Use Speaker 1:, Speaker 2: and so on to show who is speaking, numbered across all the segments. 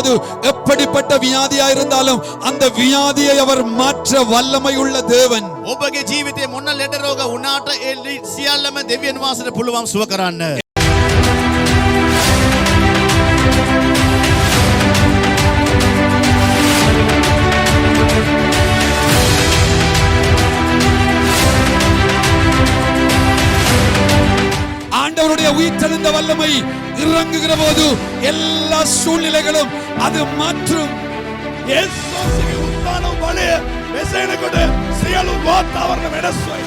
Speaker 1: போது எப்படிப்பட்ட வியாதியா இருந்தாலும் அந்த வியாதியை அவர் மாற்ற வல்லமை உள்ள தேவன்.
Speaker 2: ඔබගේ ජීවිතේ මොන ලෙඩ රෝග වුණාට ඒ සියල්ලම දෙවියන් වහන්සේට පුළුවන් සුව කරන්න.
Speaker 1: ஆண்டவருடைய உயிர்த்தெழுந்த வல்லமை இறங்குகிற போது எல்லா சூழ்நிலைகளும் அது மாற்றும்.
Speaker 3: ಯೇಸುವಿಗೆ ಉತ್ಥಾನ ಬಳಿ ಬೆಸೆನ ಕೊಡು ಸಿಯಲು ವಾತಾವರಣ ಮೆಡಸ್ವೈ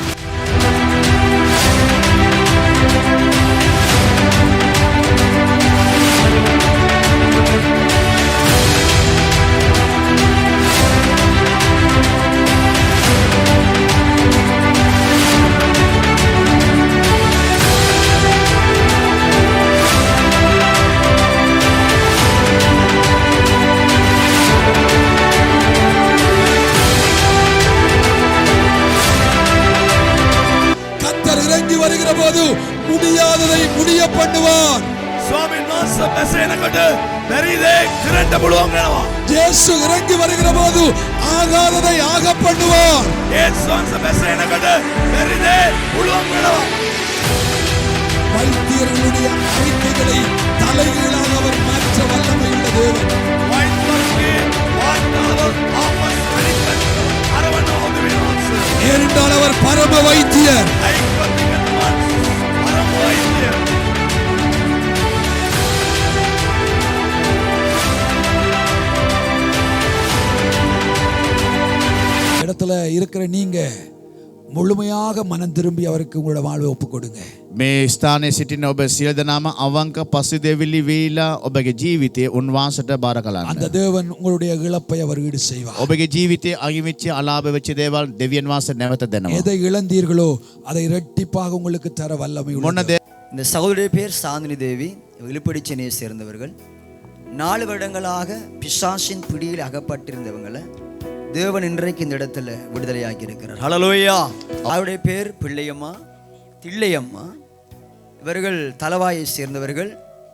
Speaker 1: வருகிற போது முடியாததை முடிய பண்ணுவார்.
Speaker 3: சுவாமி நாச பெசேன கொடு பெரிதே கிரண்ட புளுவாங்கனவா.
Speaker 1: இயேசு இறங்கி வருகிற போது ஆகாததை ஆக பண்ணுவார்.
Speaker 3: இயேசு நாச பெசேன கொடு பெரிதே புளுவாங்கனவா.
Speaker 1: வைத்தியர்களுடைய அறிக்கைகளை தலைகீழாக அவர் மாற்ற வல்லமை உள்ள தேவன்.
Speaker 3: வைத்தியருக்கு வார்த்தாவர் ஆபஸ் அளிக்க அரவணோது வினோஸ்.
Speaker 1: ஏனென்றால் அவர் பரம வைத்தியர். இடத்துல இருக்கிற நீங்க முழுமையாக மனம் திரும்பி அவருக்கு உங்களோட வாழ்வை ஒப்பு கொடுங்க.
Speaker 2: මේ ස්ථානයේ සිටින ඔබ සියලු දෙනාම අවංක පසුදෙවිලි වීලා ඔබගේ ජීවිතයේ උන්වහන්සේට බාර කරන්න.
Speaker 1: அந்த தேவன் உங்களுடைய இழப்பை அவர் ஈடு செய்வார்.
Speaker 2: ඔබගේ ජීවිතයේ අහිමිච්ච අලාභ වෙච්ච දේවල් දෙවියන් වහන්සේ නැවත දෙනවා.
Speaker 1: எதை இழந்தீர்களோ அதை இரட்டிப்பாக உங்களுக்கு தர வல்லமை உள்ளது.
Speaker 4: இந்த சகோதரி பேர் சாந்தினி தேவி, விழுப்புடி சென்னையை சேர்ந்தவர்கள். 4 வருடங்களாக பிசாசின் பிடியில் அகப்பட்டிருந்தவங்களை தேவன் இன்றைக்கு இந்த இடத்துல விடுதலையாக்கி இருக்கிறார். ஹல்லேலூயா. அவருடைய பேர் பிள்ளையம்மா, தில்லையம்மா. இவர்கள் தலவாயை சேர்ந்தவர்கள்.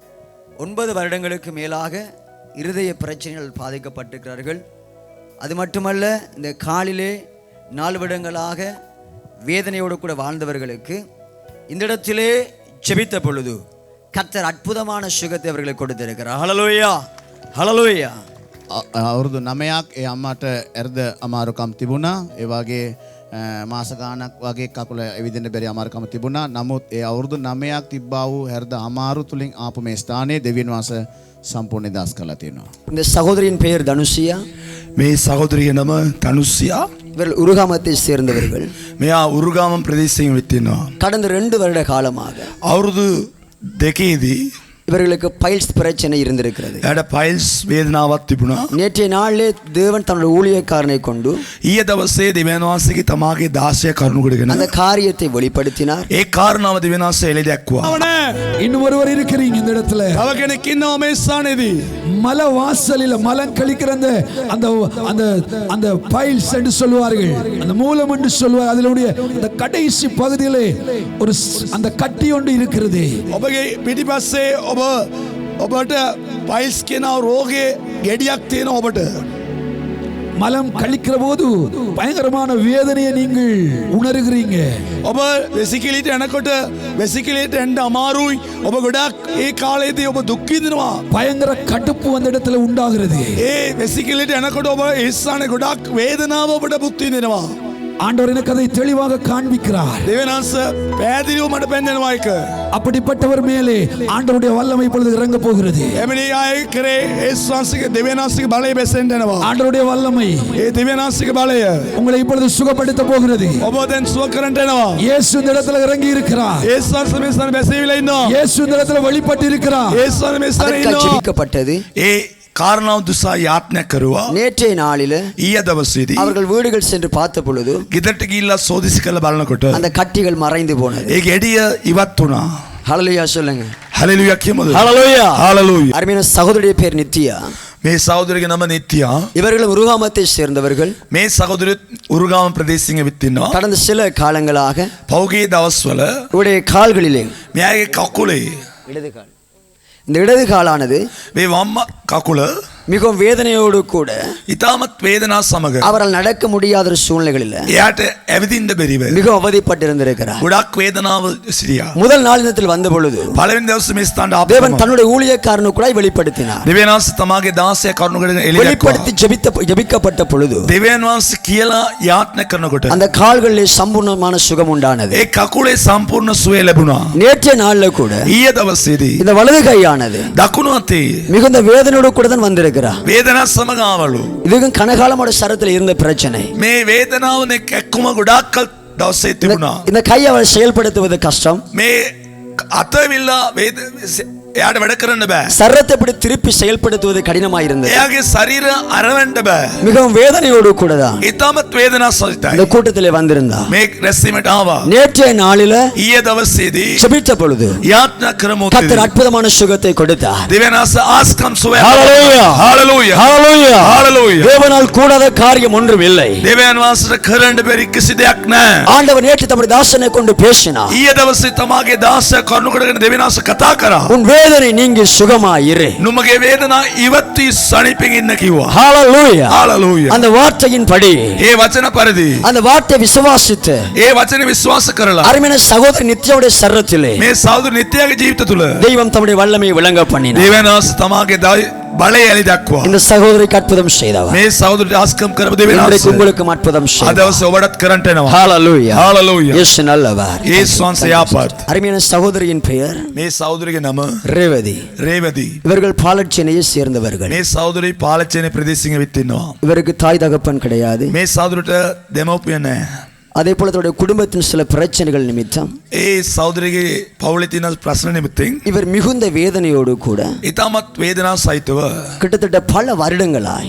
Speaker 4: 9 வருடங்களுக்கு மேலாக இருதய பிரச்சனைகள் பாதிக்கப்பட்டிருக்கிறார்கள். அது மட்டுமல்ல, இந்த காலிலே 4 வருடங்களாக வேதனையோடு கூட வாழ்ந்தவர்களுக்கு இந்த இடத்திலே ஜெபித்த பொழுது கர்த்தர் அற்புதமான சுகத்தை அவர்களுக்கு கொடுத்திருக்கிறார். ஹல்லேலூயா, ஹல்லேலூயா.
Speaker 2: අවුරුදු 9ක් ඒ අම්මට ඇර්ද අමාරුකම් තිබුණා. ඒ වගේ මාස ගාණක් වගේ කකුල එවිදෙන්න බැරි අමාරුකම් තිබුණා. නමුත් ඒ අවුරුදු 9ක් තිබ්බා වූ ඇර්ද අමාරු තුලින් ආපු මේ ස්ථානයේ දෙවියන් වහන්සේ සම්පූර්ණ දාස් කළා තියෙනවා.
Speaker 4: இந்த சகோதரியின் பெயர் தனுஷியா.
Speaker 3: මේ සහෝදරිය නම තනුෂ්‍යා.
Speaker 4: இவர்கள் உருகாமத்தை சேர்ந்தவர்கள்.
Speaker 3: මෙයා උරුගාම ප්‍රදේශයෙන් විත්තිනවා.
Speaker 4: கடந்த 2 வருட காலமாக
Speaker 3: අවුරුදු 2ේදී
Speaker 4: இவர்களுக்கு பைல்ஸ் பிரச்சனை இருந்திருக்கிறது.
Speaker 3: එයාට පයිල්ස් වේදනාවක් තිබුණා.
Speaker 4: நேற்றைய நாளிலே தேவன் தன்னுடைய ஊழியக்காரனை கொண்டு
Speaker 3: ඊයේ දවසේ දෙවියන් වහන්සේගේ තමාගේ 16 කරුණු කොටගෙන
Speaker 4: அந்த காரியத்தை வெளிப்படுத்தினார்.
Speaker 3: ඒ කාරණාව දෙවියන් වහන්සේ එළි දැක්වුවා.
Speaker 1: இன்னும் ஒருவர் இருக்கிறீங்க இந்த இடத்துல.
Speaker 3: තව කෙනෙක් ඉන්නවා මේ ස්ථානයේදී.
Speaker 1: மல வாசலில் மலம் கழிக்கிற அந்த அந்த அந்த பைல்ஸ் என்று சொல்வார்கள், அந்த மூலம் என்று சொல்வார்கள். அதிலுடைய அந்த கடைசி பகுதியிலே ஒரு அந்த கட்டி ஒன்று இருக்கிறது.
Speaker 3: ඔබගේ පිටිපස්සේ ඔබට පයිල්ස් කියන රෝගේ ගෙඩියක් තියෙනවා. ඔබට
Speaker 1: மலம் கழிக்கிற போது பயங்கரமான வேதனையை நீங்கள் உணர்கிறீங்க.
Speaker 3: ඔබ වෙසිකිලිට යනකොට වෙසිකිලිට එන්න අමාරුයි. ඔබ ගොඩක් ඒ කාලේදී ඔබ දුක් විඳිනවා.
Speaker 1: பயங்கர கடுப்பு அந்த இடத்துல உண்டாகிறது.
Speaker 3: ඒ වෙසිකිලිට යනකොට ඔබ ඒ ස්ථානේ ගොඩක් වේදනාව ඔබට පුත් විඳිනවා.
Speaker 1: ஆண்டவர் எனக்கு அதை தெளிவாக காண்பிக்கிறார்.
Speaker 3: දෙවියන් වහන්සේ පැහැදිලිව මට පෙන්වනවා ඒක.
Speaker 1: அப்படிப்பட்டவர் மேலே ஆண்டவருடைய வல்லமை இப்பொழுது இறங்க போகிறது.
Speaker 3: එමණි ආයේ කරේ ඒ ස්වාංශික දෙවියන් වහන්සේගේ බලය බැසෙන්න යනවා.
Speaker 1: ஆண்டவருடைய வல்லமை
Speaker 3: ඒ දෙවියන් වහන්සේගේ බලය
Speaker 1: உங்களை இப்பொழுது சுகப்படுத்த போகிறது.
Speaker 3: ඔබ දැන් සුව කරන්න යනවා.
Speaker 1: இயேசு இந்த இடத்துல இறங்கி இருக்கிறார்.
Speaker 3: ඒ ස්වාංශ මේ ස්ථානේ බැසීවිලා ඉන්නවා.
Speaker 1: இயேசு இந்த இடத்துல வெளிப்பட்டு இருக்கிறார்.
Speaker 3: ඒ ස්වාංශ මේ ස්ථානේ ඉන්නවා.
Speaker 4: ஜெபிக்கப்பட்டது.
Speaker 3: ඒ කාරණාව දුසා යාත්‍නා කරුවා.
Speaker 4: நேற்றைய நாளிலே
Speaker 3: ඊය දවසේදී
Speaker 4: அவர்கள் வீடுகள் சென்று பார்த்த பொழுது
Speaker 3: ගෙදරට ගිහිල්ලා සෝදිසි කරලා බලනකොට
Speaker 4: அந்த கட்டிகள் மறைந்து போனது.
Speaker 3: ඒ ගෙඩිය ඉවත් වුණා.
Speaker 4: ஹல்லேலூயா சொல்லுங்க.
Speaker 3: හලෙලූයා කියමුද?
Speaker 4: Hallelujah,
Speaker 3: hallelujah.
Speaker 4: அருமையான சகோதரியுடைய பேர் நித்யா.
Speaker 3: මේ සහෝදරියගේ නම නිත්‍යා.
Speaker 4: இவர்கள் உருகாமத்தை சேர்ந்தவர்கள்.
Speaker 3: මේ සහෝදරිය උරුගාම ප්‍රදේශයෙන් විත් ඉන්නවා.
Speaker 4: கடந்த சில காலங்களாக
Speaker 3: පෞගේ දවස්වල
Speaker 4: இவருடைய கால்களிலே
Speaker 3: මෙයාගේ කකුලේ
Speaker 4: இடது கால், இந்த இடது காலானது
Speaker 3: මේ වම් කකුල
Speaker 4: மிகவும் வேதனையோடு கூட
Speaker 3: ඉතාමත් වේදනා සමග
Speaker 4: அவரால் நடக்க முடியாத ஒரு சூழ்நிலைகளில்
Speaker 3: එයාට ඇවිදින්න බැරිව
Speaker 4: மிகவும் அவதிப்பட்டிருந்திருக்கிறார்.
Speaker 3: ගොඩක් වේදනාව සිටියා.
Speaker 4: முதல் நாளினத்தில் வந்த பொழுது
Speaker 3: පළවෙනි දවසේ මේ ස්ථානට ආපු
Speaker 4: தேவன் தன்னுடைய ஊழியக்காரனுக்குள்ளாய் வெளிப்படுத்தினார்.
Speaker 3: දෙවියන් වහන්සේ තමාගේ 16 කරුණු කරගෙන එළිය
Speaker 4: வெளிப்படுத்தி ஜெபிக்கப்பட்ட பொழுது
Speaker 3: දෙවියන් වහන්සේ කියලා යාඥා කරනකොට
Speaker 4: அந்த கால்களிலே சம்பூர்ணமான சுகம் உண்டானது.
Speaker 3: ඒ කකුලේ සම්පූර්ණ සුවය ලැබුණා.
Speaker 4: நேற்றைய நாள்ல கூட
Speaker 3: ඊයේ දවසේදී
Speaker 4: இந்த வலது கையானது
Speaker 3: දකුණු අතේ
Speaker 4: மிகுந்த வேதனையோடு கூட தான் வந்திருக்கிறார்.
Speaker 3: වේදනා සමග ආවලු.
Speaker 4: இதுவும் கனகாலமோட சரத்தில் இருந்த பிரச்சனை.
Speaker 3: මේ වේදනාවනේ කැක්කුම ගොඩාක් කල් දවසේ තිබුණා.
Speaker 4: இந்த கையை அவர் செயல்படுத்துவது கஷ்டம்.
Speaker 3: මේ අතවිල්ලා එයාට වැඩ කරන්න බෑ.
Speaker 4: சரத்தை இப்படி திருப்பி செயல்படுத்துவது கடினமா இருந்தது.
Speaker 3: එයාගේ ශරීර අරවන්න බෑ.
Speaker 4: மிகவும் வேதனையோடு கூட தான்
Speaker 3: ඉතාමත් වේදනා සහිතයි.
Speaker 4: இந்த கூட்டத்திலே வந்திருந்தார்.
Speaker 3: මේ රැස්වීමට ආවා.
Speaker 4: நேற்றைய நாளில
Speaker 3: ඊයේ දවසේදී
Speaker 4: ஜெபித்த பொழுது
Speaker 3: යාඥා කරමු.
Speaker 4: கர்த்தர் அற்புதமான சுகத்தை கொடுத்தார்.
Speaker 3: දෙවියන් වහන්සේ ආස්කම් සුවය.
Speaker 4: Hallelujah
Speaker 3: hallelujah
Speaker 4: hallelujah
Speaker 3: hallelujah.
Speaker 4: தேவனால் கூடாத காரியம் ஒன்றும் இல்லை.
Speaker 3: දෙවියන් වහන්සේට කරන්න බැරි කිසි දෙයක් නැහැ.
Speaker 4: ஆண்டவர் நேற்று தம்முடைய தாசனை கொண்டு பேசினார்.
Speaker 3: ඊයේ දවසේ තමාගේ 16 කරුණු කරගෙන දෙවියන් වහන්සේ කතා කරා.
Speaker 4: உன் வேதனை நீங்கி சுகமாயிரு.
Speaker 3: නුඹගේ වේදනා ඉවත්වී සනීපෙන් ඉන්න කිව්වා.
Speaker 4: Hallelujah
Speaker 3: hallelujah.
Speaker 4: அந்த வார்த்தையின் படி
Speaker 3: ඒ වචන පරිදි
Speaker 4: அந்த வார்த்தை விசுவாசித்து
Speaker 3: ඒ වචනේ විශ්වාස කරලා
Speaker 4: அருமையான சகோதரி நித்யாவுடைய சரத்திலே
Speaker 3: මේ සෞදු නිත්‍යගේ ජීවිත තුල
Speaker 4: தெய்வம் தம்முடைய வல்லமையை விளங்க பண்ணினார்.
Speaker 3: දෙවියන් වහන්සේ තමාගේ බලය එලි දක්වා.
Speaker 4: இந்த சகோதரிக்கு அற்புதம் செய்தவர்.
Speaker 3: මේ සෞදුට ආස්කම් කරපු දෙවියන්
Speaker 4: இன்றைக்கு
Speaker 3: වහන්සේ
Speaker 4: உங்களுக்கும் அற்புதம்
Speaker 3: අද
Speaker 4: செய்தார்.
Speaker 3: දවසේ ඔබටත් කරන්ට එනවා.
Speaker 4: Hallelujah
Speaker 3: hallelujah.
Speaker 4: இயேசு நல்லவர்.
Speaker 3: යේසුස් වහන්සේ යාපත්.
Speaker 4: அருமையான சகோதரியின் பெயர்
Speaker 3: මේ සෞදුරිගේ නම
Speaker 4: ரேவதி.
Speaker 3: රේවதி.
Speaker 4: இவர்கள் பாலச்சேனையை சேர்ந்தவர்கள்.
Speaker 3: මේ සෞදුරි පාලචේන ප්‍රදේශයේ විත්තිනවා.
Speaker 4: இவருக்கு தாய் தகப்பன் கிடையாது.
Speaker 3: මේ සෞදුරට දෙමව්පිය නැහැ.
Speaker 4: அதே போல தன்னுடைய குடும்பத்தின் சில பிரச்சனைகள் நிமித்தம்
Speaker 3: ඒ සෞදුරිගේ පවුලේ තියෙන ප්‍රශ්න නිමිත්තෙන්
Speaker 4: இவர் மிகுந்த வேதனையோடு கூட
Speaker 3: ඊටමත් වේදනා සහිතව
Speaker 4: கிட்டத்தட்ட பல வருடங்களாய்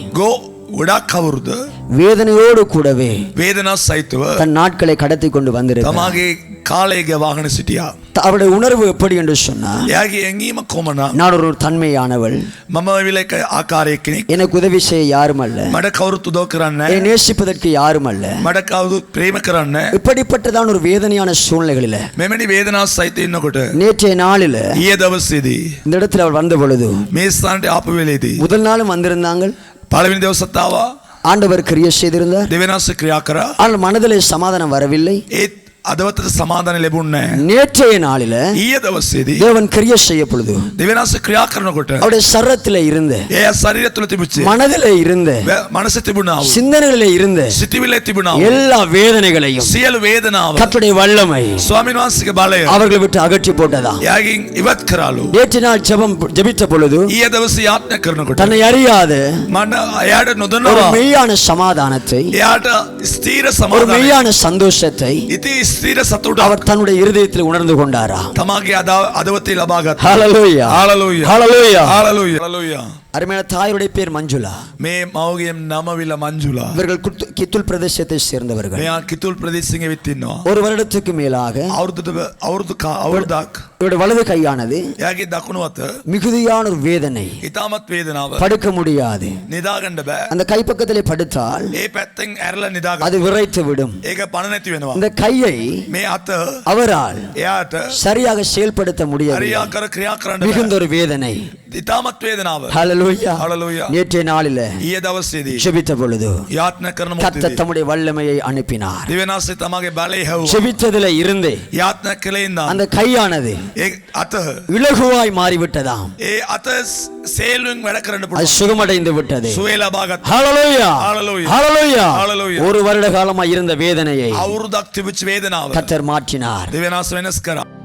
Speaker 3: ගොඩක් අවුරුද්ද
Speaker 4: வேதனையோடு கூடவே
Speaker 3: වේදනා සහිතව
Speaker 4: தன் நாட்களை கடத்தி கொண்டு வந்திருக்கிறார்.
Speaker 3: තමාගේ කාලයේ ගෙවාගෙන සිටියා.
Speaker 4: அவருடைய உணர்வு எப்படி என்று சொன்னால்,
Speaker 3: එයාගේ ඇඟීම කොමනා
Speaker 4: நான் ஒரு தன்மையானவள்,
Speaker 3: මම විලක ආකාරයේ කෙනෙක්.
Speaker 4: எனக்கு உதவி செய்ய யாரும் அல்ல,
Speaker 3: මට කවුරුත් උදව් කරන්නේ
Speaker 4: என்னை நேசிப்பதற்கு யாரும் அல்ல.
Speaker 3: මට කවුරුත් ප්‍රේම කරන්නේ
Speaker 4: இப்படிப்பட்டதான ஒரு வேதனையான சூழ்நிலைகளில
Speaker 3: මෙවැනි වේදනාවක් සහිත ඉන්නකොට
Speaker 4: நேற்றைய நாளில
Speaker 3: ඊයේ දවසේදී
Speaker 4: இந்த இடத்துல அவர் வந்த பொழுது
Speaker 3: මේ ස්ථානට ආපු වෙලේදී
Speaker 4: முதல் நாளும் வந்திருந்தாங்க.
Speaker 3: පළවෙනි දවසත් ආවා.
Speaker 4: ஆண்டவர் கிரியை செய்திருந்தார்.
Speaker 3: දෙවෙනි දවසේ ක්‍රියා කරා.
Speaker 4: ஆனால் மனதிலே சமாதானம் வரவில்லை.
Speaker 3: ඒත් අදවතට සමාදාන ලැබුණේ නැහැ.
Speaker 4: நேற்றைய நாளில
Speaker 3: ඊයේ දවසේදී
Speaker 4: தேவன் கிரியை செய்ய பொழுது
Speaker 3: දෙවෙනි දවසේ ක්‍රියා කරනකොට
Speaker 4: அவருடைய சரத்திலே இருந்த,
Speaker 3: ඒ ශරීරය තුළ තිබුච්ච
Speaker 4: மனதிலே இருந்த,
Speaker 3: මනස තිබුණා වූ
Speaker 4: சிந்தனைகளிலே இருந்த
Speaker 3: සිතවිල්ල තිබුණා වූ
Speaker 4: எல்லா வேதனைகளையும்
Speaker 3: සියලු වේදනාව
Speaker 4: கர்த்தருடைய வல்லமை
Speaker 3: ස්වාමීන් වහන්සේගේ බලය
Speaker 4: அவர்களை விட்டு அகற்றி போட்டதா.
Speaker 3: එයාගෙන් ඉවත් කරාලු.
Speaker 4: நேற்று நாள் ஜெபித்த பொழுது
Speaker 3: ඊයේ දවසේ යාඥා කරනකොට
Speaker 4: தன்னை அறியாத
Speaker 3: මම එයාට
Speaker 4: ஒரு
Speaker 3: නොදන්නවා
Speaker 4: மெய்யான சமாதானத்தை,
Speaker 3: එයාට ස්ථීර
Speaker 4: ஒரு
Speaker 3: සමාදානය
Speaker 4: மெய்யான சந்தோஷத்தை
Speaker 3: ඉති ස්ථීර සතුට
Speaker 4: அவர் தன்னுடைய இருதயத்தில் உணர்ந்து கொண்டாரா.
Speaker 3: තමාගේ අදවතේ ලබා ගත්තා.
Speaker 4: Hallelujah
Speaker 3: hallelujah
Speaker 4: hallelujah.
Speaker 3: Hallelujah hallelujah.
Speaker 4: அருமையான தாயுடைய பேர் மஞ்சுளா.
Speaker 3: මේ මවගේ නම විල මංජුලා.
Speaker 4: இவர்கள் கித்துல் பிரதேசத்தை சேர்ந்தவர்கள்.
Speaker 3: මෙයා කිතුල් ප්‍රදේශයේ විත් ඉන්නවා.
Speaker 4: ஒரு வருடத்துக்கு மேலாக
Speaker 3: අවුරුද්දක්
Speaker 4: இவருடைய வலது கையானது
Speaker 3: එයාගේ දකුණු අත
Speaker 4: மிகுதியான ஒரு வேதனை,
Speaker 3: ඉතාමත් වේදනාව
Speaker 4: படுக்க முடியாது.
Speaker 3: නිදාගන්න බෑ.
Speaker 4: அந்த கைப்பக்கத்திலே படுத்தால்
Speaker 3: ඒ පැත්තෙන් ඇරලා නිදාගන්න.
Speaker 4: அது விரைத்து விடும்.
Speaker 3: ඒක පණ නැති වෙනවා.
Speaker 4: இந்த கையை
Speaker 3: මේ අත
Speaker 4: அவரால்
Speaker 3: එයාට
Speaker 4: சரியாக செயல்படுத்த முடியாது.
Speaker 3: හරියාකාර ක්‍රියා කරන්න
Speaker 4: மிகுந்த
Speaker 3: බෑ.
Speaker 4: ஒரு வேதனை.
Speaker 3: ඉතාමත් වේදනාව.
Speaker 4: ஹalleluya.
Speaker 3: හalleluya.
Speaker 4: நேற்றைய நாளில
Speaker 3: ඊයේ දවසේදී
Speaker 4: ஜெபித்த பொழுது
Speaker 3: යාඥා කරන
Speaker 4: கர்த்தர்
Speaker 3: මොහොතේදී
Speaker 4: தம்முடைய வல்லமையை அனுப்பினார்.
Speaker 3: දෙවෙනාසේ තමාගේ බලය හැවුවා.
Speaker 4: ஜெபித்ததிலே இருந்தே
Speaker 3: යාඥා කළේ ඉඳන්
Speaker 4: அந்த கையானது
Speaker 3: ඒ අත
Speaker 4: இலகுவாய் மாறிவிட்டதாம்.
Speaker 3: ඒ අත සේලුවෙන් වැඩ කරන්න
Speaker 4: அது
Speaker 3: පුළුවන්.
Speaker 4: சுகமடைந்து விட்டது.
Speaker 3: සුවේ ලබා ගත්තා.
Speaker 4: ஹalleluya
Speaker 3: Hallelujah.
Speaker 4: ஹalleluya.
Speaker 3: Hallelujah.
Speaker 4: ஒரு வருட காலமா இருந்த வேதனையை
Speaker 3: අවුරුද්දක් තිබිච්ච වේදනාව
Speaker 4: கர்த்தர் மாற்றினார்.
Speaker 3: දෙවෙනාස වෙනස් කරා.